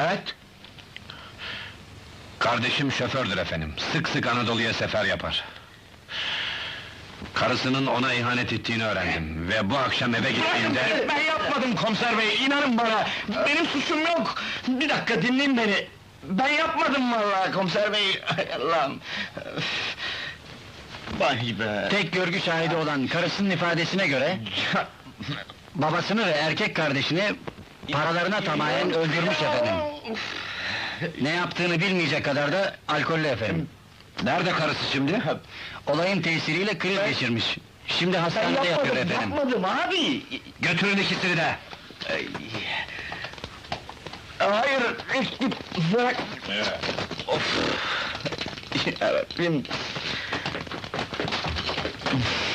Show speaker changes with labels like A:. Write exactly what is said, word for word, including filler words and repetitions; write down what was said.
A: Evet.
B: Kardeşim şofördür efendim, sık sık Anadolu'ya sefer yapar. Karısının ona ihanet ettiğini öğrendim ve bu akşam eve gittiğimde...
A: Ben yapmadım komiser bey, inanın bana! Benim suçum yok! Bir dakika dinleyin beni! Ben yapmadım vallahi komiser bey! Hay Allah'ım! Vay be!
C: Tek görgü şahidi olan karısının ifadesine göre... babasını ve erkek kardeşini paralarına tamamen öldürmüş efendim. Ne yaptığını bilmeyecek kadar da alkollü efendim.
B: Nerede karısı şimdi?
C: Olayın tesiriyle kriz geçirmiş. Şimdi
A: Ben
C: hastanede yatıyor
A: yapmadım,
C: efendim.
A: yapmadım abi!
B: Götürün ikisini de!
A: Hayır, bırak! Of! Yarabbim!